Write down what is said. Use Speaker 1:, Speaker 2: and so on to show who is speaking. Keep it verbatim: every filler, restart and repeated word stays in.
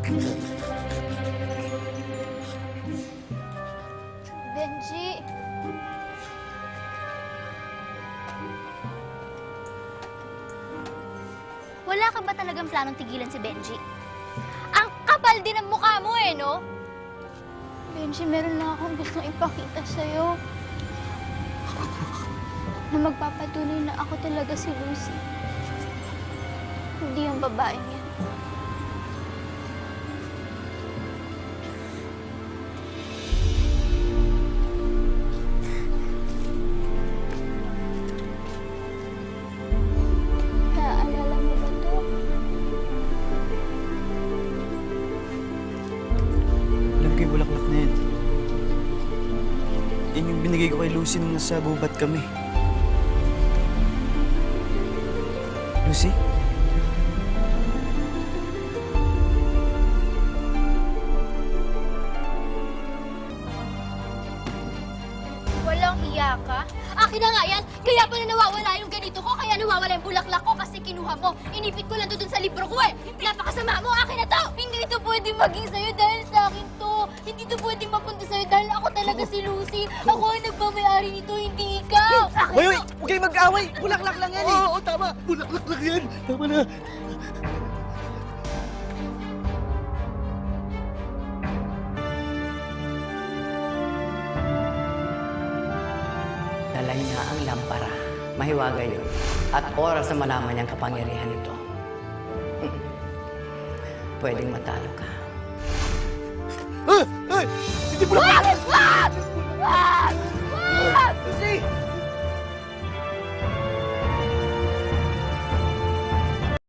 Speaker 1: Benji! Wala ka ba talagang planong tigilan si Benji? Ang kapal din ng mukha mo eh, no? Benji, meron lang akong gustong ipakita sa'yo. Na magpapatunay na ako talaga si Lucy. Hindi yung babaeng yan. Naaalala mo ba to?
Speaker 2: Alam ko yung bulaklak na yan. Yan yung binigay ko kay Lucy nung nasa gubat kami. Lucy?
Speaker 1: Walang hiya ka? Akin na nga yan! Kaya pala nawawala yung ganito ko, kaya nawawala yung bulaklak ko kasi kinuha mo. Inipit ko lang doon sa libro ko eh! Napakasama mo! Akin na to! Hindi ito pwede maging sa'yo dahil sa akin to! Hindi ito pwede mapunta sa'yo dahil ako talaga si Lucy! Ako ang nagmamayari nito, hindi ikaw! Akin
Speaker 3: Hoy, hoy!
Speaker 1: to!
Speaker 3: Huwag kayong mag-away! Bulaklak lang yan eh! Oo, oo, tama! Bulaklak lang yan! Tama na!
Speaker 4: Dala niya ang lampara. Mahiwaga yun. At oras na malaman niyang kapangyarihan nito. Pwedeng matalo ka.
Speaker 3: Ah! Ay! Hindi bulaklak!
Speaker 1: Ah!